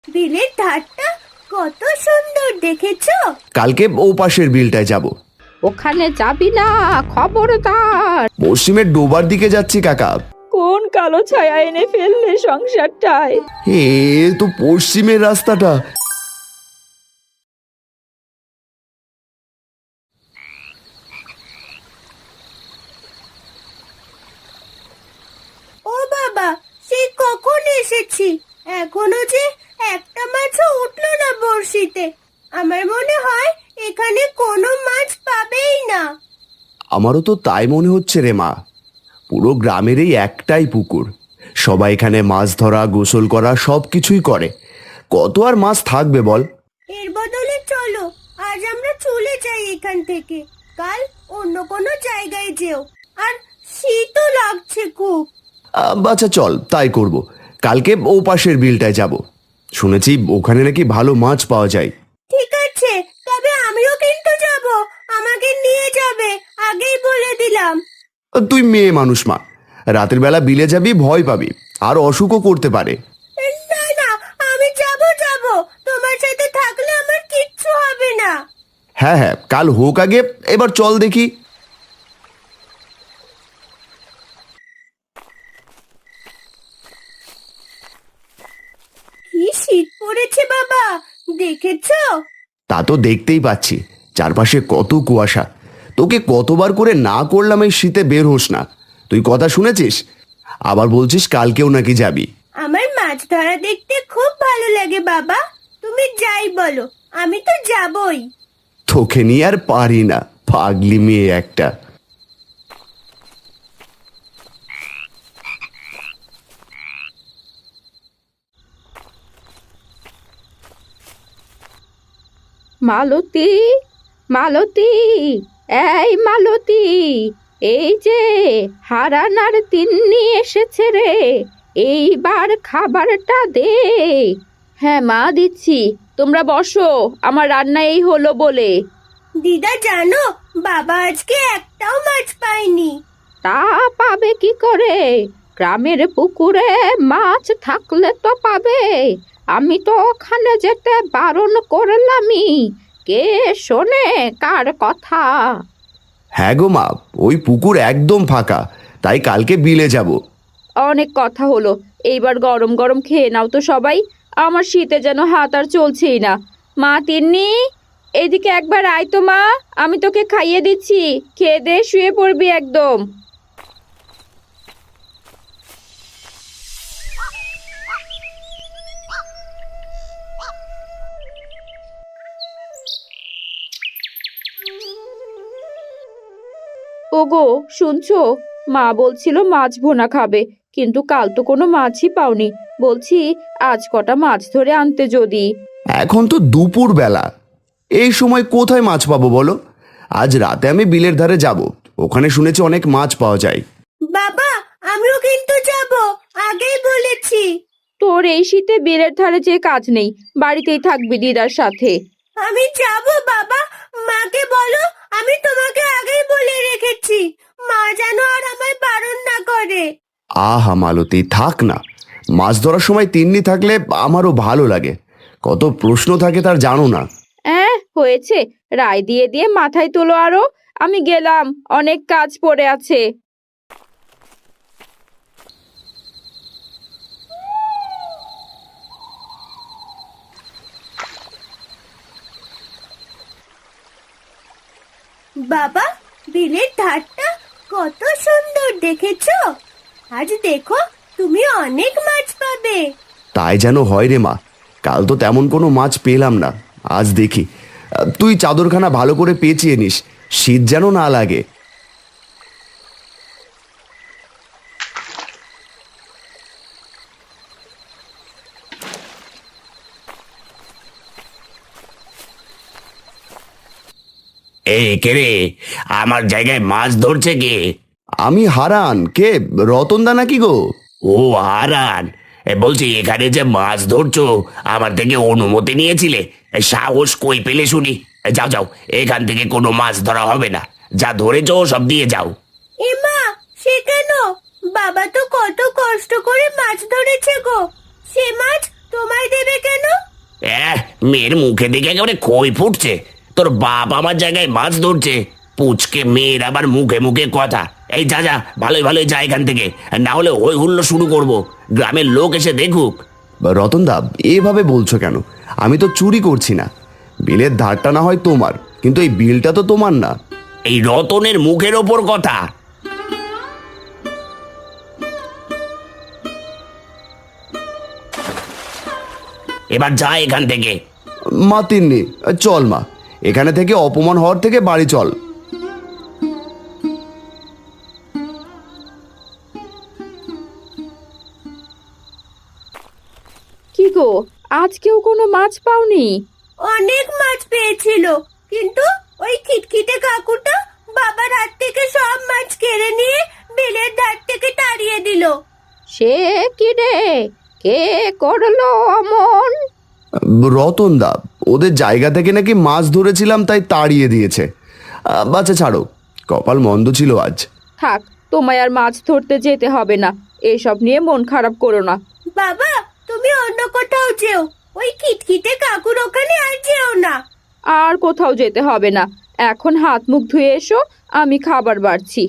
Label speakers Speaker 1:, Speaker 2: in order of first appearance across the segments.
Speaker 1: বিলের ধারটা কত সুন্দর দেখেছো?
Speaker 2: কালকে ও পাশের বিলটায় যাব।
Speaker 3: ওখানে যাবি না, খবরদার।
Speaker 2: পশ্চিমের ডোবার দিকে যাচ্ছি কাকা।
Speaker 3: কোন কালো ছায়া এনে ফেললে সংসারটায়।
Speaker 2: এ তো পশ্চিমের রাস্তাটা।
Speaker 1: ও বাবা, সেই কখন এসেছি, এখনো যে একটা মাছও উঠলো না বড়শিতে। আমার মনে হয় এখানে কোনো মাছ পাবেই না।
Speaker 2: আমারও তো তাই মনে হচ্ছে রে মা। পুরো গ্রামের এই একটাই পুকুর, সবাই এখানে মাছ ধরা, গোসল করা সব কিছুই করে। কত আর মাছ থাকবে বল?
Speaker 1: এর বদলে চলো আজ আমরা চলে যাই এখান থেকে, কাল অন্য কোনো জায়গায় যেও। আর শীতও লাগছে খুব।
Speaker 2: আচ্ছা চল তাই করব। কালকে ও পাশের বিলটায় যাব, শুনেছি ওখানে নাকি ভালো মাছ পাওয়া যায়।
Speaker 1: ঠিক আছে, তবে আমিও কিন্তু যাব, আমাকে নিয়ে যাবে, আগেই বলে দিলাম।
Speaker 2: তুই মেয়ে মানুষ মা, রাতের বেলা বিলে যাবি, ভয় পাবি, আর অসুখও করতে পারে।
Speaker 1: না না, আমি যাব যাব, তোমার সাথে থাকলে আমার কিচ্ছু হবে না।
Speaker 2: হ্যাঁ হ্যাঁ, কাল হোক আগে, এবার চল দেখি।
Speaker 1: কি শীত পড়েছে বাবা, দেখেছো?
Speaker 2: তা তো দেখতেই পাচ্ছি, চারপাশে কত কুয়াশা। তোকে কতবার করে না করলাম এই শীতে বের হোস না, তুই কথা শুনেছিস? আবার বলছিস কালকেও নাকি যাবি।
Speaker 1: আমার মাছ ধরা দেখতে খুব ভালো লাগে বাবা, তুমি যাই বলো আমি তো যাবই।
Speaker 2: তোকে নিয়ে আর পারি না, পাগলি মেয়ে একটা।
Speaker 3: মালতী, মালতী, এই মালতী, এই যে হারান আর তিন্নি এসেছে রে, এইবার খাবারটা দে। হ্যাঁ মা, দিচ্ছি, তোমরা বসো, আমার রান্না এই হলো বলে।
Speaker 1: দিদা জানো, বাবা আজকে একটাও মাছ পায়নি।
Speaker 3: তা পাবে কি করে? গ্রামের পুকুরে মাছ থাকলে তো পাবে। আমি তো ওখানে যেতে বারণ করলামই, কে শোনে কার কথা?
Speaker 2: হ্যাঁ গো মা, ওই পুকুর একদম ফাঁকা, তাই কালকে বিলে যাব।
Speaker 3: অনেক কথা হলো, এইবার গরম গরম খেয়ে নাও তো সবাই, আমার শীতে যেন হাত আর চলছেই না। মা তিন্নি, এদিকে একবার আয় তো মা, আমি তোকে খাইয়ে দিচ্ছি, খেয়ে দে শুয়ে পড়বি একদম। ওগো, শুনছো? মা বলছিল মাছ ভুনা খাবে, কিন্তু কাল তো কোনো মাছই পাওনি। বলছি আজ কটা মাছ ধরে আনতে যদি।
Speaker 2: এখন তো দুপুর বেলা, এই সময় কোথায় মাছ পাবো বলো? আজ রাতে আমি বিলের ধারে যাব, ওখানে শুনেছি অনেক মাছ পাওয়া যায়।
Speaker 1: বাবা, আমিও কিন্তু যাব, আগেই বলেছি।
Speaker 3: তোর এই শীতে বিলের ধারে যে কাজ নেই, বাড়িতেই থাকবি দিদার সাথে।
Speaker 1: আমি যাব বাবা, মাকে বলো আমি তোমাকে আগেই বলে রেখেছি, মা যেন আর আমায় বারণ না করে।
Speaker 2: আহা মালতী, থাক না, মাছ ধরার সময় তিন্নি থাকলে আমারও ভালো লাগে। কত প্রশ্ন থাকে তার জানো না।
Speaker 3: হয়েছে, রায় দিয়ে দিয়ে মাথায় তোলো আরো। আমি গেলাম, অনেক কাজ পড়ে আছে।
Speaker 1: বাবা, বিলের ধারটা কত সুন্দর দেখেছো? আজ দেখো তুমি অনেক মাছ পাবে।
Speaker 2: তাই যেন হয় রে মা, কাল তো তেমন কোনো মাছ পেলাম না, আজ দেখি। তুই চাদরখানা ভালো করে পেঁচিয়ে নিস, শীত যেন না লাগে।
Speaker 4: এই কে রে, আমার জায়গায় মাছ ধরছে কে?
Speaker 2: আমি হারান, কে রতনদা নাকি গো?
Speaker 4: ও হারান, বলছি এখানে যে মাছ ধরছো আমার থেকে অনুমতি নিয়েছিলে? সাহস কই পেলে শুনি? যাও যাও, এখান থেকে কোনো মাছ ধরা হবে না, যা ধরেছো সব দিয়ে যাও।
Speaker 1: এমা, সে কেন? বাবা তো কত কষ্ট করে মাছ ধরেছে গো, সে মাছ তোমায় দেবে কেন?
Speaker 4: মেয়ের মুখে দেখে একেবারে খই ফুটছে। তোর বাপ আমার জায়গায় মাছ ধরছে, পুচকে মেয়ের আবার মুখে মুখে কথা। এই যা যা, ভালোই ভালোই যা এখান থেকে, না হলে হই হুল্লো শুরু করব, গ্রামের লোক এসে দেখুক।
Speaker 2: রতনদা, এভাবে বলছো কেন? আমি তো চুরি করছি না। বিলের ধারটা না হয় তোমার, কিন্তু এই বিলটা তো তোমার না।
Speaker 4: এই রতনের মুখের ওপর কথা। এবার যা এখান থেকে।
Speaker 2: মা তিন্নি, চল মা, এখানে থেকে অপমান হওয়ার থেকে বাড়ি চল।
Speaker 3: কি গো, আজকেও কোনো মাছ পাওনি?
Speaker 1: অনেক মাছ পেয়েছিল, কিন্তু ওই খিটখিটে কাকুটা বাবার হাত থেকে সব মাছ কেড়ে নিয়ে বিলের ধার থেকে তাড়িয়ে দিল।
Speaker 3: সে কি রে, কে করলো অমন?
Speaker 2: রতনদা, ওদের জায়গা থেকে নাকি মাছ ধরেছিলাম তাই তাড়িয়ে দিয়েছে। বাচ্চা ছাড়ো, কপাল মন্দ ছিল আজ।
Speaker 3: থাক, তোমায় আর মাছ ধরতে যেতে হবে না, এসব নিয়ে মন খারাপ করো না।
Speaker 1: বাবা, তুমি অন্য কোথাও যেও, ওই খিটখিটে কাকুর ওখানে আর যেও না।
Speaker 3: আর কোথাও যেতে হবে না, এখন হাত মুখ ধুয়ে এসো, আমি খাবার বাড়ছি।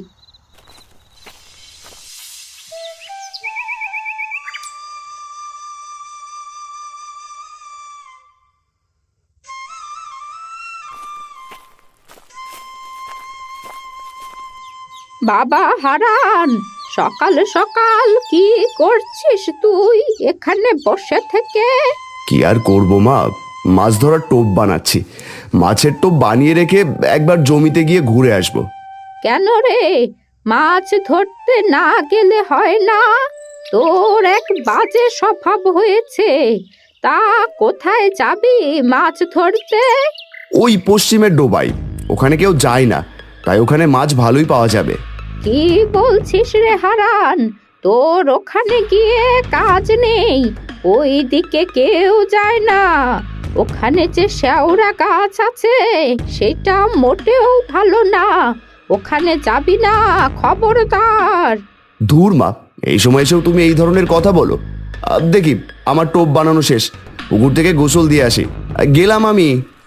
Speaker 3: বাবা হারান, সকাল সকাল কি করছিস তুই এখানে বসে থেকে?
Speaker 2: কি আর করবো মা, মাছ ধরার টোপ বানাচ্ছি। মাছের টোপ বানিয়ে রেখে একবার জমিতে গিয়ে ঘুরে আসবো।
Speaker 3: কেন রে, মাছ ধরতে না গেলে হয় না? তোর এক বাজে স্বভাব হয়েছে। তা কোথায় যাবি মাছ ধরতে?
Speaker 2: ওই পশ্চিমের ডোবাই, ওখানে কেউ যায় না, তাই ওখানে মাছ ভালোই পাওয়া যাবে।
Speaker 3: কি বলছিস রে হারান, তোর ওখানে গিয়ে কাজ নেই? ওই দিকে কেউ যায় না। ওখানে যে শেওড়া গাছ আছে সেটা মোটেও ভালো না, ওখানে যাবি না, খবরদার।
Speaker 2: ধুর মা, এই সময় এসেও তুমি এই ধরনের কথা বলো। দেখি, আমার টোপ বানানো শেষ, পুকুর থেকে গোসল দিয়ে আসি। গেলাম আমি।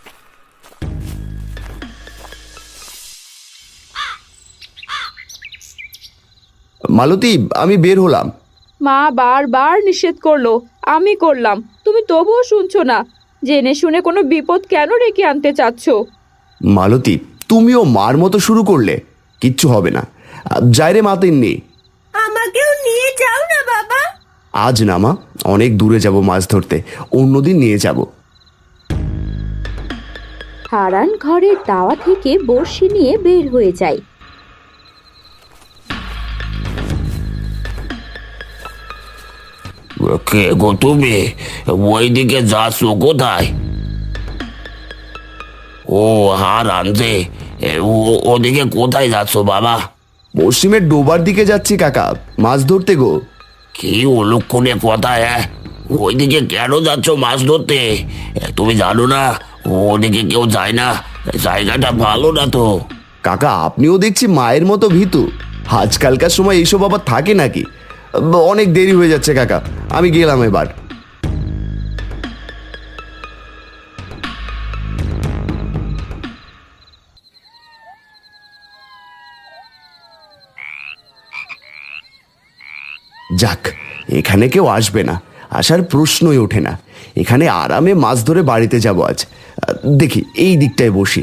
Speaker 2: মালতী, আমি বের হলাম।
Speaker 3: মা বারবার নিষেধ করলো, আমি করলাম, তুমি তবুও শুনছো না। জেনে শুনে কোনো বিপদ কেন ডেকে আনতে চাচ্ছ?
Speaker 2: মালতী, তুমিও মার মতো শুরু করলে। কিচ্ছু হবে না, যাই রে মা তিন্নি।
Speaker 1: আমাকেও নিয়ে যাও না বাবা।
Speaker 2: আজ না মা, অনেক দূরে যাব মাছ ধরতে, অন্যদিন নিয়ে যাব।
Speaker 3: হারান ঘরের দাওয়া থেকে বড়শি নিয়ে বের হয়ে যায়।
Speaker 4: কে গো তুমি, ওইদিকে যাচ্ছ কোথায়? ও হারান যে, ওদিকে কোথায় যাচ্ছ বাবা?
Speaker 2: পশ্চিমের ডোবার দিকে যাচ্ছি কাকা, মাছ ধরতে গো।
Speaker 4: কি অলক্ষণে কথা, ওইদিকে কেন যাচ্ছ মাছ ধরতে? তুমি জানো না ওদিকে কেউ যায় না, জায়গাটা ভালো না তো।
Speaker 2: কাকা, আপনিও দেখছি মায়ের মতো ভীতু। আজকালকার সময় এইসব আবার থাকে নাকি? অনেক দেরি হয়ে যাচ্ছে কাকা, আমি গেলাম এবার। যাক, এখানে কেউ আসবে না, আসার প্রশ্নই ওঠে না। এখানে আরামে মাছ ধরে বাড়িতে যাব আজ। দেখি, এই দিকটায় বসি।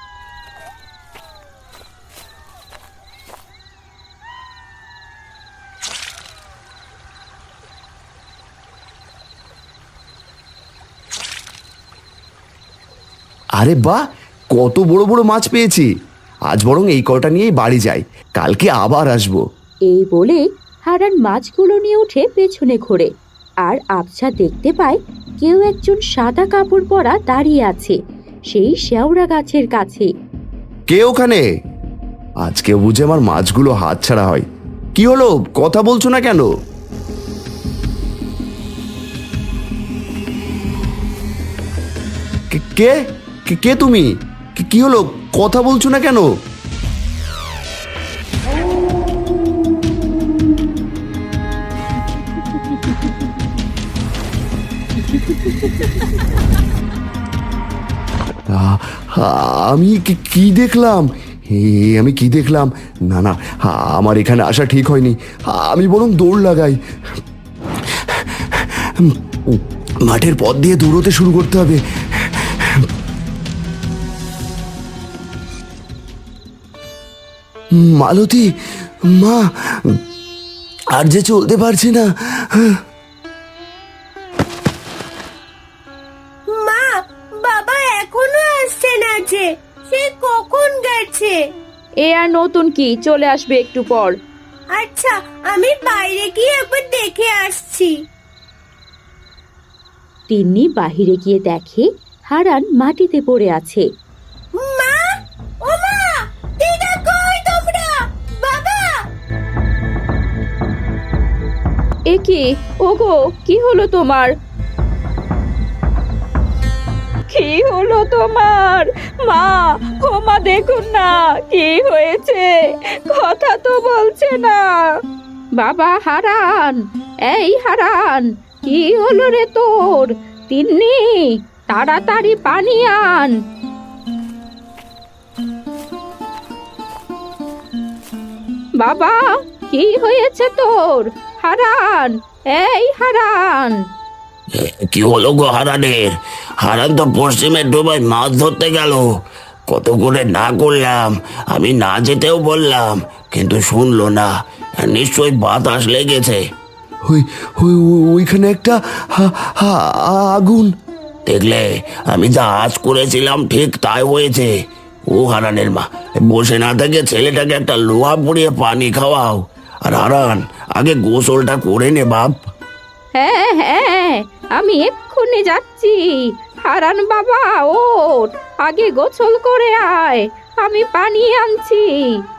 Speaker 2: আরে বাহ, কত বড় বড় মাছ পেয়েছি। আজ বরং এই কটা নিয়েই বাড়ি যাই, কালকে আবার আসবো।
Speaker 3: এই বলে হারান মাছগুলো নিয়ে উঠে পেছনে ঘোরে, আর আবছা দেখতে পায় কেউ একজন সাদা কাপড় পরা দাঁড়িয়ে আছে সেই শেওড়া গাছের কাছে।
Speaker 2: কে ওখানে? আজকে বুঝে আমার মাছগুলো হাতছাড়া হয়। কি হলো, কথা বলছো না কেন? কে কে কে তুমি? কি হলো, কথা বলছো না কেন? আমি কি দেখলাম? আমি কি দেখলাম? না না, আমার এখানে আসা ঠিক হয়নি। আমি বরং দৌড় লাগাই। মাঠের পথ দিয়ে দৌড়তে শুরু করতে হবে। মালতী, মা, আর যে চলতে পারছি না।
Speaker 1: মা, বাবা এখনো আসছে না যে, সে কখন গেছে?
Speaker 3: এ আর নতুন কি, চলে আসবে একটু পর।
Speaker 1: আচ্ছা, আমি বাইরে গিয়ে একবার দেখে আসছি।
Speaker 3: তিন্নি বাহিরে গিয়ে দেখে হারান মাটিতে পড়ে আছে।
Speaker 1: মা, ও মা, দিদা কই তোমরা? বাবা!
Speaker 3: এ কি, ওগো, কি হলো তোমার? কি হলো তোমার? মা, ও মা, দেখুন না কি হয়েছে, কথা তো বলছে না। বাবা হারান, এই হারান, কি হলো রে তোর? তিন্নি, তাড়াতাড়ি পানি আন। বাবা, কি হয়েছে তোর? হারান, এই হারান।
Speaker 4: কি হলো গো হারানের? হারান তো পশ্চিমের ডোবায় মাছ ধরতে গেল। কত করে না করলাম, আমি না যেতেও বললাম, কিন্তু শুনলো না। নিশ্চয়ই বাতাস লেগেছে।
Speaker 2: ওইখানে একটা আগুন।
Speaker 4: দেখলে, আমি যা আজ করেছিলাম ঠিক তাই হয়েছে। ও হারানের মা, বসে না থেকে ছেলেটাকে একটা লোহা পুড়িয়ে পানি খাওয়াও। আর হারান, আগে গোসলটা করে নে বাপ।
Speaker 3: হ্যাঁ হ্যাঁ, আমি এক্ষুনি যাচ্ছি। হারান বাবা, ওঠ, আগে গোসল করে আয়, আমি পানি আনছি।